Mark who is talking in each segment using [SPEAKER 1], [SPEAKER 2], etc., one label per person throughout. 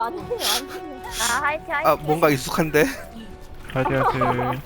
[SPEAKER 1] 아니에요, 아니에요.
[SPEAKER 2] 아 화이팅 화이팅.
[SPEAKER 3] 아 뭔가 익숙한데.
[SPEAKER 4] 화이팅 화이팅.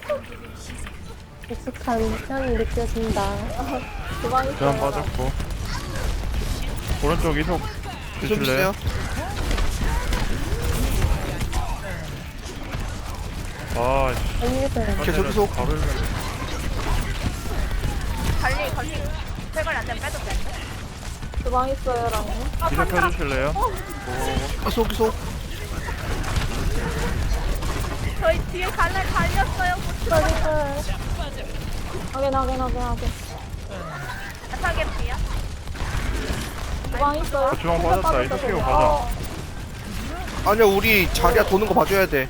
[SPEAKER 1] 익숙한 향이 느껴진다. 주방
[SPEAKER 4] 그냥
[SPEAKER 1] 있어요.
[SPEAKER 4] 빠졌고. 오른쪽 이속
[SPEAKER 3] 좀
[SPEAKER 4] 드실래요?
[SPEAKER 3] 주세요.
[SPEAKER 4] 아,
[SPEAKER 1] 아니겠어요.
[SPEAKER 3] 계속 이속.
[SPEAKER 4] 바로 일면
[SPEAKER 2] 관리 세관리 안 되면 빼도 되는데.
[SPEAKER 1] 주방 있어요, 라고.
[SPEAKER 4] 이속 펴주실래요?
[SPEAKER 3] 이속 이속.
[SPEAKER 2] 저희 뒤에 갈렸어요.
[SPEAKER 1] 주방 있어요. 확인.
[SPEAKER 2] 타겟 비야.
[SPEAKER 1] 주방 있어요.
[SPEAKER 4] 주방 빠졌다. 이속 끼고 가자.
[SPEAKER 3] 아니야 우리 자리야 도는 거 봐줘야 돼.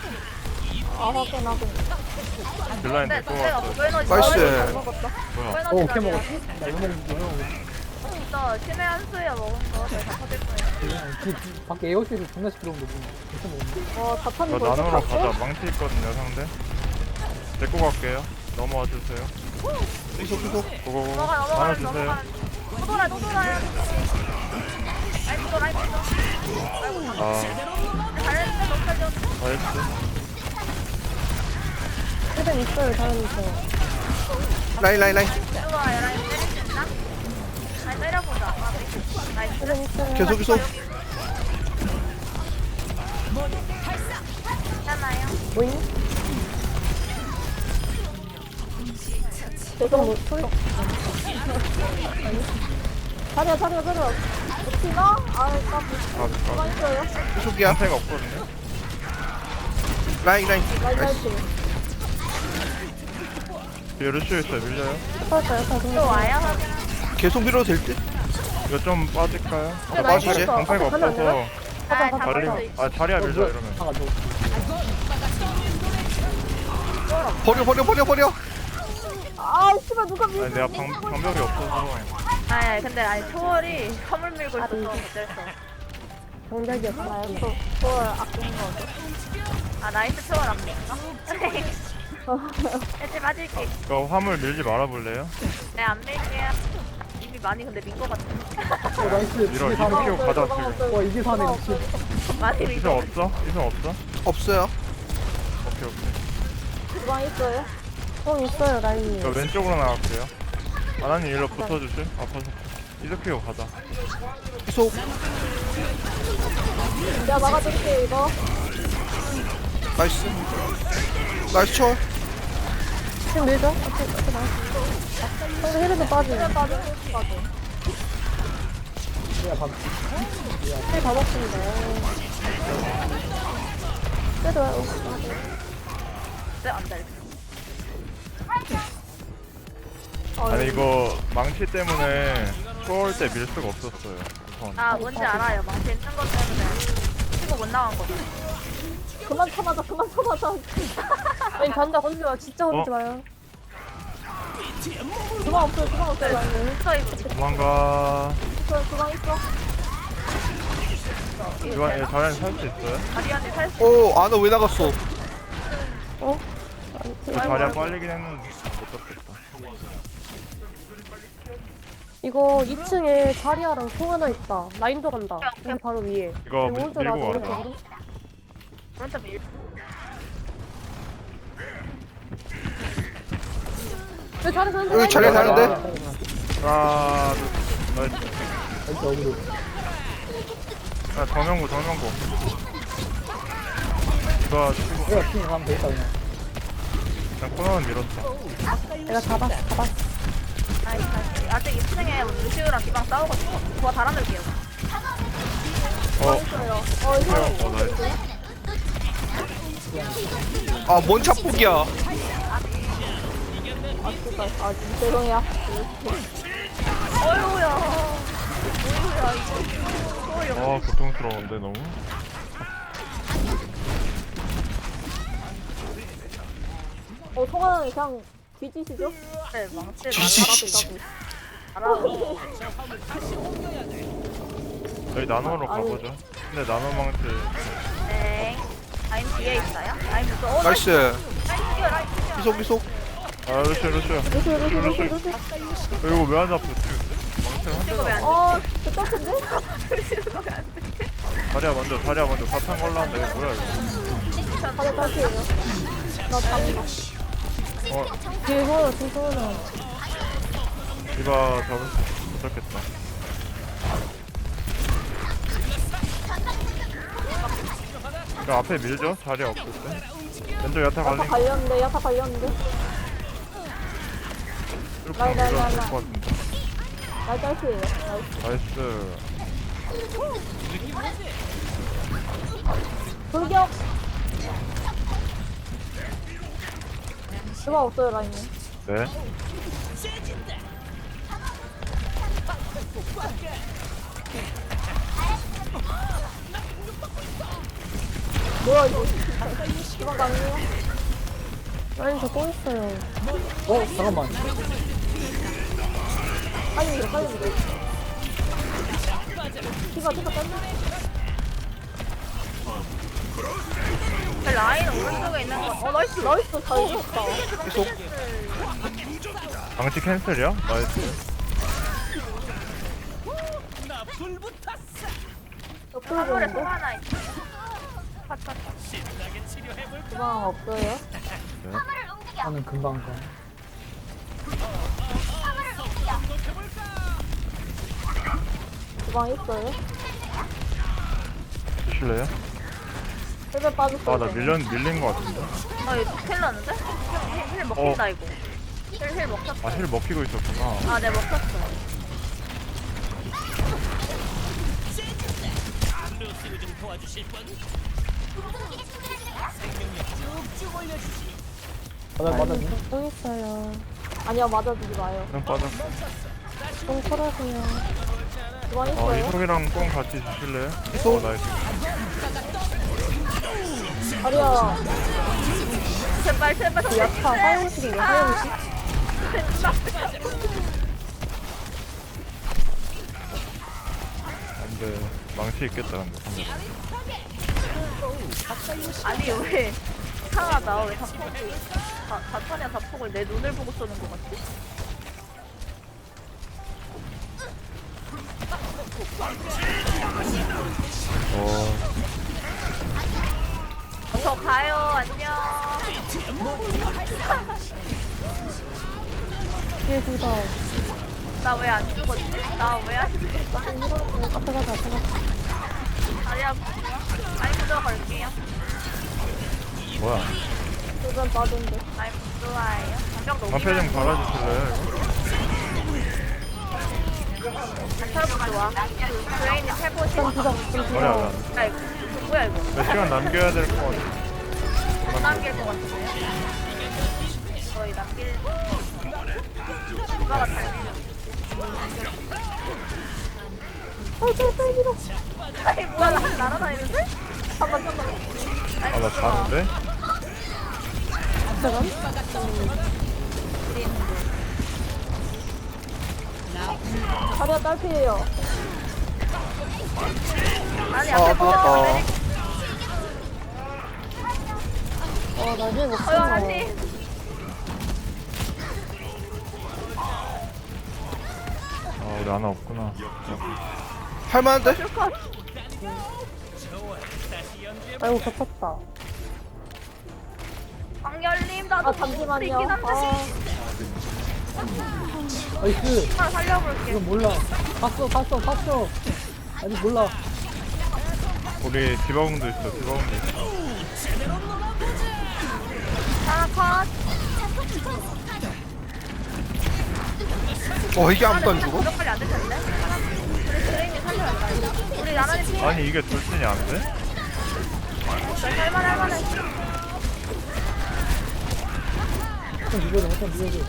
[SPEAKER 1] 확인.
[SPEAKER 4] 딜라인
[SPEAKER 2] 근데
[SPEAKER 4] 될것
[SPEAKER 2] 내가
[SPEAKER 4] 같아.
[SPEAKER 2] 에너지
[SPEAKER 3] 나이스.
[SPEAKER 1] 먹었다.
[SPEAKER 4] 뭐야?
[SPEAKER 5] 오케이 먹었지? 나 이거 먹는
[SPEAKER 2] 진짜 신의 한 수야 먹은 거 저희 다 터질 거예요.
[SPEAKER 5] 밖에 에어쇼에서 존나 시끄러운데 뭐 진짜 먹는데
[SPEAKER 1] 자탄이
[SPEAKER 4] 이거
[SPEAKER 1] 벌써
[SPEAKER 4] 나눔으로
[SPEAKER 1] 탔어?
[SPEAKER 4] 가자. 망치 있거든요, 상대. 데리고 갈게요. 넘어와 주세요.
[SPEAKER 3] 이속 이속.
[SPEAKER 4] 고고고. 나눠
[SPEAKER 2] 넘어가는
[SPEAKER 4] 주세요.
[SPEAKER 2] 또 돌아야 라이트 도
[SPEAKER 4] 아,
[SPEAKER 2] 잘했는데 못 살려.
[SPEAKER 4] 나이스.
[SPEAKER 1] 일단 있어요, 다른 있어요.
[SPEAKER 3] 라인.
[SPEAKER 2] 들어와요. 라인 때릴 수 있나? 라인 때려보자. 아, 네. 나이스.
[SPEAKER 1] 일단 있어요.
[SPEAKER 3] 계속 이속.
[SPEAKER 2] 괜찮아요.
[SPEAKER 1] 뭐임? 계속 뭐 소리. 자리야. 어찌나? 주방 있어요.
[SPEAKER 3] 이속이야.
[SPEAKER 4] 상태가 없거든요.
[SPEAKER 3] 라인.
[SPEAKER 1] 라이트
[SPEAKER 3] 나이스.
[SPEAKER 1] 할게.
[SPEAKER 4] 뒤에 루시오 있어요. 밀려요.
[SPEAKER 2] 또 와요? 확인.
[SPEAKER 3] 계속 밀어도 될 듯?
[SPEAKER 4] 이거 좀 빠질까요?
[SPEAKER 1] 네,
[SPEAKER 3] 빠지지.
[SPEAKER 4] 방패가 없어서.
[SPEAKER 2] 아, 다
[SPEAKER 4] 자리,
[SPEAKER 2] 버릴 수 있어.
[SPEAKER 4] 자리야 밀자 이러면.
[SPEAKER 5] 하가 저
[SPEAKER 3] 버려.
[SPEAKER 1] 아, 씨발, 누가
[SPEAKER 4] 아니 내가 방벽이 없어서.
[SPEAKER 2] 근데 초월이 선물 밀고 있어서 어쩔 수 없어.
[SPEAKER 1] 동작이었어요. 저 아끼는 거죠.
[SPEAKER 2] 아, 나이스 초월 안 밀까? 이제 맞을게.
[SPEAKER 4] 이거 화물 밀지 말아볼래요?
[SPEAKER 2] 네, 안 밀게요. 이미 많이 근데 민 거 같아.
[SPEAKER 5] 나이스
[SPEAKER 4] 밀어.
[SPEAKER 5] 이게
[SPEAKER 4] 이속
[SPEAKER 5] 사네
[SPEAKER 4] 키고 가자 지금.
[SPEAKER 5] 와 이게 사네 미친
[SPEAKER 2] 많이 민
[SPEAKER 4] 이성
[SPEAKER 2] 거.
[SPEAKER 4] 없어? 이성 없어?
[SPEAKER 3] 없어요.
[SPEAKER 4] 오케이.
[SPEAKER 1] 주방 있어요? 있어요, 라인이.
[SPEAKER 4] 저 왼쪽으로 나갈게요. 아나님 일로 붙어주실? 아파서. 이속 키고 가자.
[SPEAKER 3] 이속.
[SPEAKER 1] 내가 막아줄게, 이거.
[SPEAKER 3] 나이스 초월.
[SPEAKER 1] 지금 밀죠? 상대 힐에도 빠지네.
[SPEAKER 5] 내가 밥
[SPEAKER 1] 힐다 먹습니다. 그래도 와요.
[SPEAKER 2] 네, 안 돼.
[SPEAKER 4] 아니 이거 망치 때문에 초월 때 밀 수가 없었어요. 우선.
[SPEAKER 2] 아, 뭔지 알아요. 망치 있는 것 때문에 치고 못 나간 거죠.
[SPEAKER 1] 그만 쳐맞아. 아니, 간다, 건들지 마. 진짜 건들지 마요. 주방 없어요, 라인이.
[SPEAKER 2] 붙어 있고.
[SPEAKER 4] 도망가.
[SPEAKER 1] 주방 있어.
[SPEAKER 4] 이거 자리는 살수 있어요?
[SPEAKER 2] 아리안이 살수
[SPEAKER 3] 오 아나 왜 나갔어?
[SPEAKER 4] 이거 자리야 빨리긴 했는데 못 잡겠다.
[SPEAKER 1] 이거 2층에 자리아랑 송 하나 있다. 라인도 간다. 여기 바로 위에.
[SPEAKER 4] 이거
[SPEAKER 1] 여기 오른쪽 나도
[SPEAKER 4] 밀고 가자.
[SPEAKER 1] 오른쪽으로.
[SPEAKER 2] 오른쪽 밀.
[SPEAKER 1] 여기 잘해서
[SPEAKER 3] 여기 자리야 다른데?
[SPEAKER 4] 아, 나이스.
[SPEAKER 5] 나이스 어그로
[SPEAKER 4] 아, 정명구. 이거 치고
[SPEAKER 5] 내가 핑 가면 되겠다 그냥
[SPEAKER 4] 그냥 코너는 밀었어.
[SPEAKER 1] 내가 잡았어.
[SPEAKER 2] 나이스. 아직 2층에 루시우랑 기방 싸우거든요. 더 달아놓을게요.
[SPEAKER 4] 나이스.
[SPEAKER 3] 아뭔 착복이야.
[SPEAKER 1] 죄송해요.
[SPEAKER 2] 어휴야. 뭐야 이거.
[SPEAKER 4] 아, 고통스러운데 너무.
[SPEAKER 1] 송하나는 그냥 뒤지시죠?
[SPEAKER 2] 네, 망치
[SPEAKER 3] 뒤지시죠.
[SPEAKER 2] 알아서.
[SPEAKER 4] 저희 나노로 가보죠. 근데 나노 망치
[SPEAKER 2] 네. 라인 뒤에 있어요? 라인 무서워.
[SPEAKER 3] 나이스.
[SPEAKER 2] 라인 뛰어.
[SPEAKER 3] 이속.
[SPEAKER 4] 아, 루시오. 이거 왜 안 잡혀? 망치 한 대가.
[SPEAKER 2] 이거 왜안
[SPEAKER 1] 저 떡인데?
[SPEAKER 4] 자리야 먼저 사탕 걸라는데 이거 뭐야 이거.
[SPEAKER 1] 자리야 딸피에요. 나 잡는다. 뒤에 소원아, 뒤에 소원아.
[SPEAKER 4] 디바 잡을 수 못잡겠다. 그 앞에 밀죠? 자리야 없을 때. 왼쪽 야타
[SPEAKER 1] 야타
[SPEAKER 4] 갈린
[SPEAKER 1] 갈렸는데, 야타 갈렸는데.
[SPEAKER 4] 이렇게
[SPEAKER 1] 라인, 라인,
[SPEAKER 4] 밀어도
[SPEAKER 1] 라인,
[SPEAKER 4] 될것 같은데.
[SPEAKER 1] 나 딸피에요. 나이스.
[SPEAKER 4] 나이스.
[SPEAKER 1] 돌격! 누가 없어요, 라인이.
[SPEAKER 4] 네.
[SPEAKER 1] 뭐야, 이거. 주방 가능해요? 라인 저또 있어요.
[SPEAKER 5] 잠깐만.
[SPEAKER 1] 빨리 밀어, 빨리 밀어. 티가 딴다.
[SPEAKER 2] 그 라인 오른쪽에 있는 거.
[SPEAKER 1] 나이스, 나이스. 잘 이겼다.
[SPEAKER 3] 계속
[SPEAKER 4] 방치 캔슬이야? 나이스.
[SPEAKER 1] 옆으로
[SPEAKER 2] 화물에
[SPEAKER 1] 보는데?
[SPEAKER 2] 통 하나 있어.
[SPEAKER 1] 주방 없어요?
[SPEAKER 5] 나는 금방 가.
[SPEAKER 1] 주방 있어요?
[SPEAKER 4] 주실래요?
[SPEAKER 1] 헬멧 빠졌어요.
[SPEAKER 4] 아 나 밀린 거 같은데.
[SPEAKER 2] 아 이거 큰일 났는데? 힐 먹힌다 이거. 힐 먹혔어.
[SPEAKER 4] 아 힐 먹히고 있었구나.
[SPEAKER 2] 아, 네 먹혔어.
[SPEAKER 5] 맞아.
[SPEAKER 1] 또 있어요. 아니요, 맞아주지 마요.
[SPEAKER 4] 그냥 빠졌어.
[SPEAKER 1] 좀 털어세요. 주방
[SPEAKER 4] 어
[SPEAKER 1] 있어요?
[SPEAKER 4] 이속이랑 꽁 같이 주실래요?
[SPEAKER 3] 이속.
[SPEAKER 4] 나이스.
[SPEAKER 1] 아리야,
[SPEAKER 2] 제발
[SPEAKER 1] 그 야타 화용식인데, 화용식?
[SPEAKER 4] 근데 망치 있겠다 근데 상대.
[SPEAKER 2] 아니 왜 이상하다. 왜 자탄이야 자폭을 내 눈을 보고 쏘는 것 같지? 저 가요. 안녕.
[SPEAKER 1] 뒤에 둘다.
[SPEAKER 2] 나 왜 안 죽었지? 나 왜 안 죽었어?
[SPEAKER 1] 앞에 가자, 앞에 가자.
[SPEAKER 2] 아니야. 아니 부조 걸게요.
[SPEAKER 4] 뭐야?
[SPEAKER 1] 주변 빠진데.
[SPEAKER 2] 아니 부조아예요. 장벽
[SPEAKER 4] 방패 좀
[SPEAKER 2] 녹이면
[SPEAKER 4] 갈아주실래요
[SPEAKER 2] 장철 부조아. 그 브레인이 최고
[SPEAKER 1] 좀
[SPEAKER 2] 싫어.
[SPEAKER 1] 부자, 좀
[SPEAKER 4] 이거? 뭐야
[SPEAKER 1] 부자.
[SPEAKER 2] 아 이거 뭐야 이거?
[SPEAKER 4] 몇 시간 남겨야 될 것 같아.
[SPEAKER 2] 못 남길 것 같은데요? 거의 남길 누가 같아요? 아니 뭐야 나 날아다니는데? 잠깐만
[SPEAKER 4] 아 나 자는데?
[SPEAKER 1] 자리야 딸피에요.
[SPEAKER 2] 아니
[SPEAKER 3] 아
[SPEAKER 2] 앞에
[SPEAKER 3] 아깝다.
[SPEAKER 1] 나중에 못
[SPEAKER 2] 어여 아니
[SPEAKER 4] 아 우리 하나 없구나.
[SPEAKER 3] 할만한데?
[SPEAKER 2] 슈컷
[SPEAKER 1] 아이고, 겹쳤다.
[SPEAKER 2] 광열님 나도
[SPEAKER 1] 아, 잠시만요.
[SPEAKER 2] 있긴 한데
[SPEAKER 5] 나이스.
[SPEAKER 2] 하나 살려볼게.
[SPEAKER 5] 이건 몰라. 봤어. 아직 몰라.
[SPEAKER 4] 우리 디바공도 있어. 디바공도 있어.
[SPEAKER 2] 하나 컷.
[SPEAKER 3] 이게 아무도 안 죽어?
[SPEAKER 2] 무조건이 안될 텐데. 우리 브레인이 살려야 돼. 우리 나란히 피해.
[SPEAKER 4] 아니 이게 돌진이 안 돼?
[SPEAKER 2] 할만해.
[SPEAKER 5] 좀 밀어줘.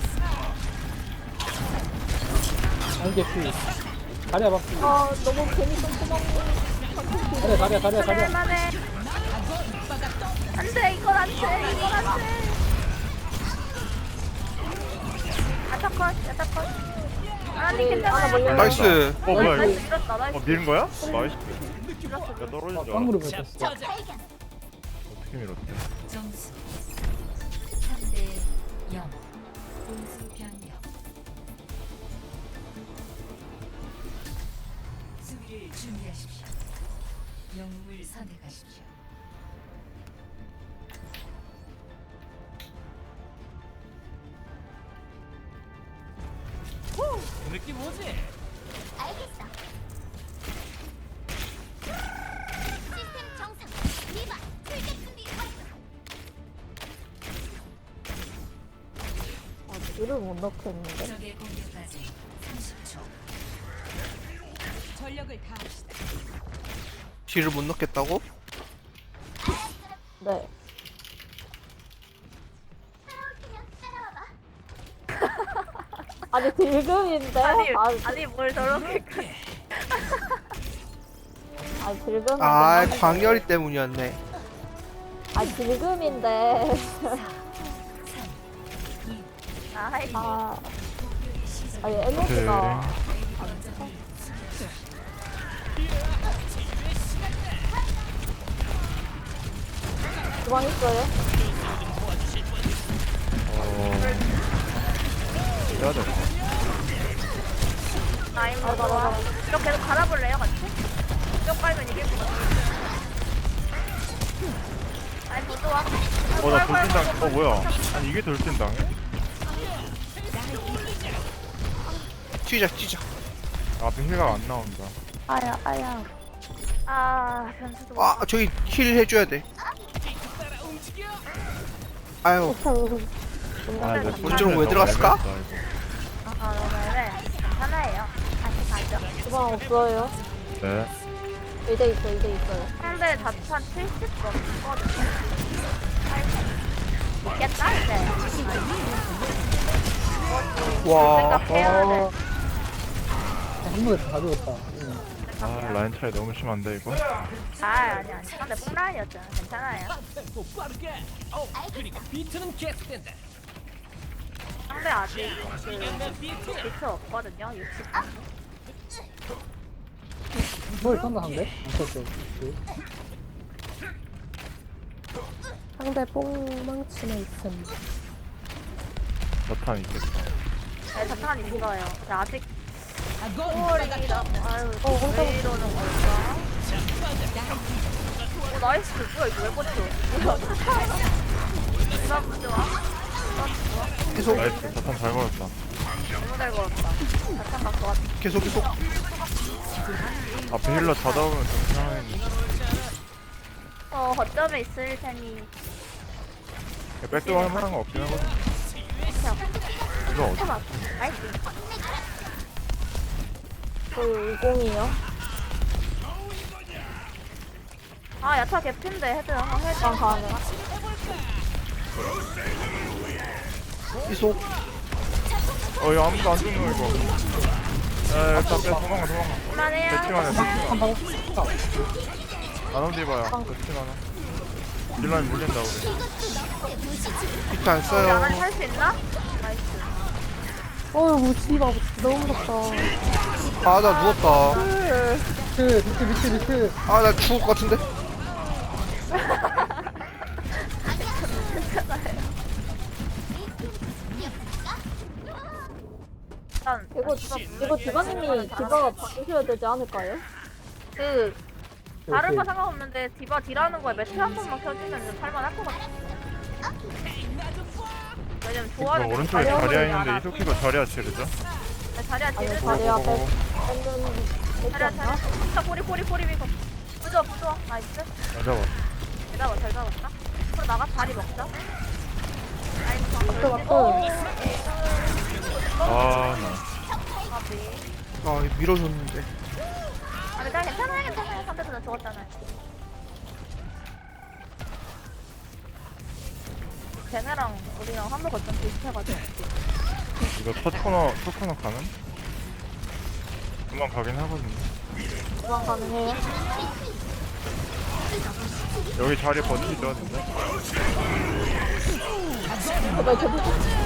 [SPEAKER 5] 안개 피. 다리야 봐.
[SPEAKER 1] 너무 괜히 똥꼬먹고.
[SPEAKER 5] 다리야.
[SPEAKER 2] 할만해. 안돼 이건 안돼. 야타컷. 아니 괜찮아.
[SPEAKER 3] 나이스.
[SPEAKER 4] 뭐야 이거?
[SPEAKER 2] 나이스 밀었다. 나이스.
[SPEAKER 4] 밀은 거야? 나이스. 야 떨어진 줄
[SPEAKER 5] 쌍무로
[SPEAKER 4] 알았어.
[SPEAKER 5] 뱉었어.
[SPEAKER 4] 어떻게 밀었대?
[SPEAKER 6] 점수 3대 0 공수 변경 수비를 준비하십시오. 영웅을 선택하십시오.
[SPEAKER 1] 이를 못 넣겠는데?
[SPEAKER 6] 적의 공격까지 30초. 전력을 다합시다.
[SPEAKER 3] 뒤를 못 넣겠다고?
[SPEAKER 1] 네. 아니 딜금인데?
[SPEAKER 2] 아니 뭘 저렇게
[SPEAKER 1] 아니 딜금인데.
[SPEAKER 3] 아 광열이 때문이었네.
[SPEAKER 1] 아니 딜금인데.
[SPEAKER 2] 아이
[SPEAKER 1] 아. 아니 에너지가. 주방 있어요?
[SPEAKER 4] 해야 돼.
[SPEAKER 2] 라인 먹어. 이거 계속 갈아볼래요 같이? 이거 깔면 이길 것 같아. 아이 못 좋아.
[SPEAKER 4] 나 돌진당. 뭐야? 아니 이게 돌진당해?
[SPEAKER 3] 튀자.
[SPEAKER 4] 앞에 힐가 안 나온다.
[SPEAKER 1] 아야.
[SPEAKER 2] 아 변수도.
[SPEAKER 3] 아 저기 힐 해줘야 돼. 아유
[SPEAKER 4] 이제
[SPEAKER 3] 본질은 왜 들어갔을까?
[SPEAKER 2] 아 너무해. 괜찮아요. 다시 가죠.
[SPEAKER 1] 주방 없어요?
[SPEAKER 4] 네.
[SPEAKER 1] 2대 있어요.
[SPEAKER 2] 상대 자판 70 넘거든요. 있겠다 이제.
[SPEAKER 3] 와.
[SPEAKER 2] 생각해야 돼.
[SPEAKER 5] 한 번에 다 죽었다.
[SPEAKER 4] 아 라인 차이 너무 심한데 이거.
[SPEAKER 2] 아니. 상대 뽕라인이었잖아. 괜찮아요. 상대 아직 비트 없거든요. 60.
[SPEAKER 5] 뭘 쏜다 한데? 안 썼어.
[SPEAKER 1] 상대 뽕망치는 있음.
[SPEAKER 4] 나탄 있겠다.
[SPEAKER 2] 네, 자탄 있어요. 근데 아직 홀이다. 아유,
[SPEAKER 1] 혼자
[SPEAKER 2] 왜 이러는 걸까? 오, 나이스. 뭐야, 이거 왜 꽂혀? 누가 부좋아?
[SPEAKER 3] 계속
[SPEAKER 4] 나이스. 나탄 잘 걸었다.
[SPEAKER 2] 너무 잘 걸었다. 자탄 갖고 왔다.
[SPEAKER 3] 계속.
[SPEAKER 4] 앞에 힐러 다 잡으면 좀 편하겠네.
[SPEAKER 2] 거점에 있을 테니.
[SPEAKER 4] 백도어 할 만한 거 없긴 하거든. 이거 어디?
[SPEAKER 2] 해봐. 나이스.
[SPEAKER 1] 저희 20이요?
[SPEAKER 2] 아, 야타 개핀데 헤드 한번 해줘.
[SPEAKER 1] 주방 가능.
[SPEAKER 3] 계속.
[SPEAKER 4] 이거 아무도 안 죽는 거 이거. 일단 빼 도망가.
[SPEAKER 2] 그만해요.
[SPEAKER 4] 대칭하네.
[SPEAKER 5] 한방
[SPEAKER 4] 나눠 뒤봐야. 대칭하네. 딜라인 물린다 우리.
[SPEAKER 3] 비트 안
[SPEAKER 2] 우리
[SPEAKER 3] 써요.
[SPEAKER 2] 안에 살수 있나? 나이스.
[SPEAKER 1] 어휴 씨발 너무 무섭다.
[SPEAKER 3] 아 나 누웠다.
[SPEAKER 5] 밑에.
[SPEAKER 3] 아 나 죽을 것 같은데.
[SPEAKER 2] 일단
[SPEAKER 1] 이거 디바님이 디바가 바꾸셔야 되지 않을까요?
[SPEAKER 2] 다른 거 상관없는데 디바 딜하는 거에 매트 한 번만 켜주면 살만할 것 같아. 왜냐면 조합이
[SPEAKER 4] 이거 오른쪽에 자리야 있는데 이소키가 자리야 치르죠?
[SPEAKER 2] 자리야
[SPEAKER 1] 아니
[SPEAKER 2] 딜을
[SPEAKER 1] 자리 앞에
[SPEAKER 4] 고고고고.
[SPEAKER 1] 뺏는
[SPEAKER 2] 자리야
[SPEAKER 1] 뺏지 않나?
[SPEAKER 2] 진짜 꼬리 미고 부좋아 나이스.
[SPEAKER 4] 잘 잡았어.
[SPEAKER 2] 잘 잡았다. 앞으로 나가 자리 먹자. 나이스.
[SPEAKER 1] 맞다.
[SPEAKER 3] 아 밀어줬는데.
[SPEAKER 2] 아니 괜찮아요. 상대도 나 죽었잖아요. 쟤네랑 우리랑 한물 거점 비슷해가지고.
[SPEAKER 4] 이거 첫 코너 가는? 금방 가긴 하거든요.
[SPEAKER 1] 주방 가능해요?
[SPEAKER 4] 여기 자리 버티죠 근데?
[SPEAKER 1] 나 계속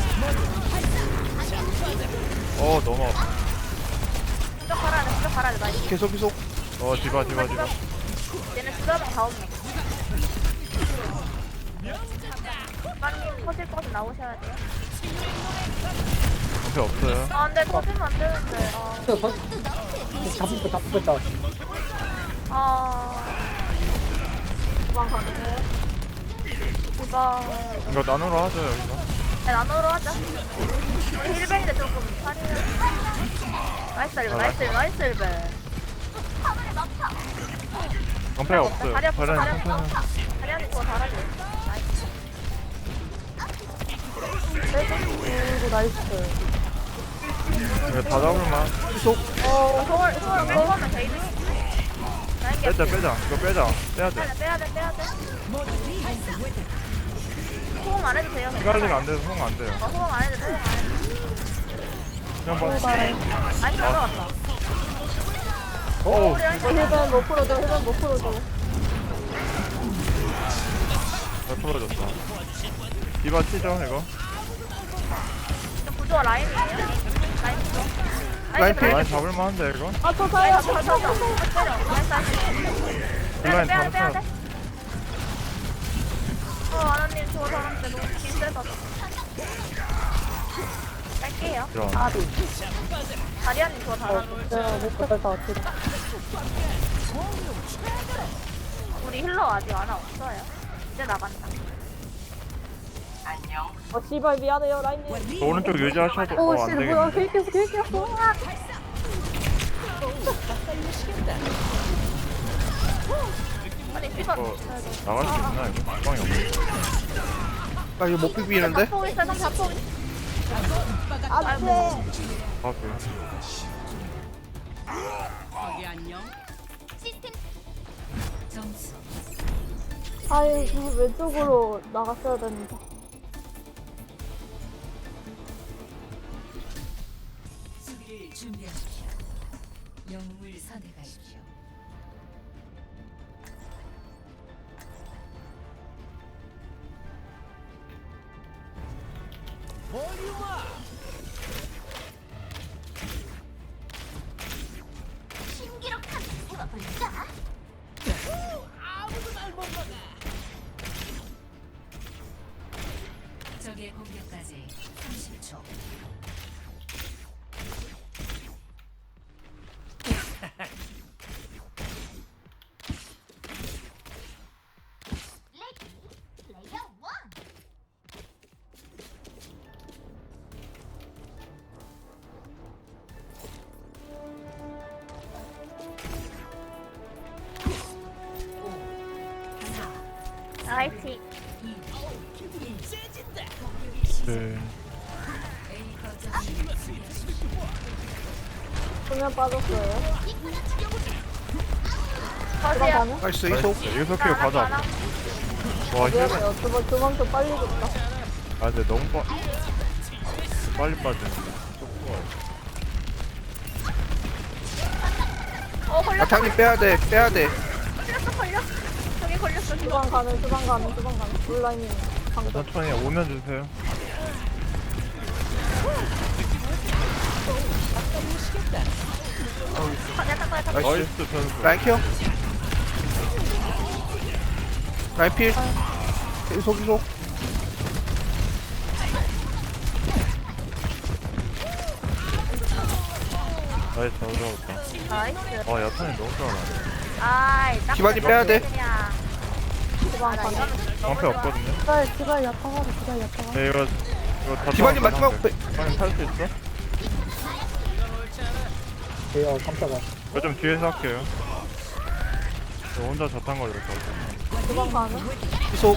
[SPEAKER 4] 너무 아파.
[SPEAKER 2] 수적 갈아야 돼. 나 이거.
[SPEAKER 3] 계속.
[SPEAKER 4] 디바.
[SPEAKER 2] 얘네 수적은 다 없네. 빨리 터질 거서 나오셔야 돼요.
[SPEAKER 4] 앞에 없어요.
[SPEAKER 2] 아, 근데 터지면 안 되는데.
[SPEAKER 5] 잡혔다.
[SPEAKER 2] 아, 주방 가능해. 주방.
[SPEAKER 4] 이거 나누러 하죠 여기서.
[SPEAKER 2] 네, 나눠로 하자. 우리 힐벤인데 조금 살이야. 나이스 힐벤, 나이스 힐벤, 나이스 힐벤.
[SPEAKER 4] 방패가 없어요.
[SPEAKER 2] 다리 아프다, 다리
[SPEAKER 4] 자리는
[SPEAKER 2] 아프다.
[SPEAKER 4] 천천히.
[SPEAKER 2] 다리 안에 그거 달아줘. 나이스.
[SPEAKER 1] 그리고 나이스.
[SPEAKER 4] 이거 다 잡을만.
[SPEAKER 2] 소월 먹으면 돼. 라인 개.
[SPEAKER 4] 빼자 빼자. 이거 빼자. 빼야 돼.
[SPEAKER 2] 빼야 돼. 소금 안 해도 돼요.
[SPEAKER 4] 피갈리면 안 돼서 송 안 돼요.
[SPEAKER 2] 소금 안 해도 돼.
[SPEAKER 4] 그냥 봐.
[SPEAKER 2] 아니, 들어갔다.
[SPEAKER 4] 어우.
[SPEAKER 1] 힐벤 못 풀어줘, 힐벤 못 풀어줘.
[SPEAKER 4] 잘 풀어졌다. 디바 치죠 이거.
[SPEAKER 2] 구조가 라인이에요? 라인 구조.
[SPEAKER 3] 라인 필.
[SPEAKER 4] 라인 잡을만한데 이거.
[SPEAKER 1] 아, 저 사요.
[SPEAKER 4] 라인
[SPEAKER 2] 빼야 돼.
[SPEAKER 4] 잡았어.
[SPEAKER 2] 아나님 저 사람들 너무 기세다. 뺄게요.
[SPEAKER 4] 이런.
[SPEAKER 2] 다리아님 저 잘하죠.
[SPEAKER 1] 내가 못 풀어서 진짜.
[SPEAKER 2] 우리 힐러 아직 하나 없어요. 이제 나간다.
[SPEAKER 1] 씨발 미안해요, 라인님.
[SPEAKER 4] 저 오른쪽 유지하셔도
[SPEAKER 1] 오,
[SPEAKER 4] 안
[SPEAKER 1] 씨,
[SPEAKER 4] 되겠네.
[SPEAKER 1] 뭐야, 킬켰어.
[SPEAKER 2] 아니 피가
[SPEAKER 4] 이거 나갈 수 있나 이거? 주방이 없네.
[SPEAKER 3] 나 이거 못 비비는데?
[SPEAKER 2] 자폭 있어, 좀 자폭.
[SPEAKER 1] 안 돼.
[SPEAKER 4] 아 그래.
[SPEAKER 6] 점수
[SPEAKER 1] 아이, 왼쪽으로 나갔어야 되는데.
[SPEAKER 6] 수비를 준비하십시오. 영웅을 선택하십시오. 적의 공격까지 30초.
[SPEAKER 2] 화이팅.
[SPEAKER 4] 네.
[SPEAKER 1] 수면 빠졌어요.
[SPEAKER 2] 거지야.
[SPEAKER 3] 나이스 이속.
[SPEAKER 4] 여기서 키고 가자. 와 힐.
[SPEAKER 1] 미안해요. 두번 더 빨리 줬다.
[SPEAKER 4] 아 근데 너무 빨리 빠지는데.
[SPEAKER 2] 걸렸어.
[SPEAKER 3] 아타님 빼야돼.
[SPEAKER 2] 걸렸어. 저기 걸렸어.
[SPEAKER 1] 주방 가는. 온라인이 방금.
[SPEAKER 4] 천천히 오면 주세요.
[SPEAKER 2] 약간
[SPEAKER 4] 나이스 선수.
[SPEAKER 3] 라인 키어. 라인 필. 이속.
[SPEAKER 4] 나이스 잘 잡았다.
[SPEAKER 2] 나이스.
[SPEAKER 4] 와 야탄이 너무 잘하네.
[SPEAKER 2] 아이, 딱
[SPEAKER 3] 기반이 빼야 돼.
[SPEAKER 2] 그냥.
[SPEAKER 1] 주방 가는.
[SPEAKER 4] 방패 없거든요.
[SPEAKER 1] 기발 약하고.
[SPEAKER 4] 네 이거 다
[SPEAKER 3] 기반님 마지막
[SPEAKER 4] 기반님 살수 있어?
[SPEAKER 5] 에어 깜짝아.
[SPEAKER 4] 이거 좀 뒤에서 할게요. 저 혼자 자탄 걸렸어.
[SPEAKER 1] 주방 가는.
[SPEAKER 3] 이속.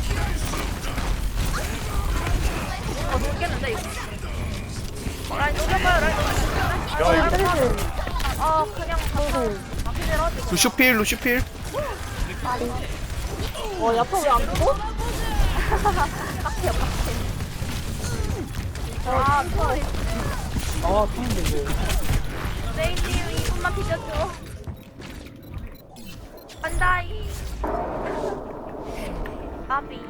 [SPEAKER 2] 죽겠는데, 이거. 라인 녹여봐요, 라인 녹여봐요.
[SPEAKER 4] 야 이거
[SPEAKER 1] 때리지.
[SPEAKER 2] 그냥 방금 막히더라고.
[SPEAKER 3] 루슈 필.
[SPEAKER 1] 야타 왜안 죽어?
[SPEAKER 2] 빡해요, 빡해. 소리.
[SPEAKER 5] 아, 타는데 이거.
[SPEAKER 2] 레이님 2분만 비켜줘. 간다이. 아비.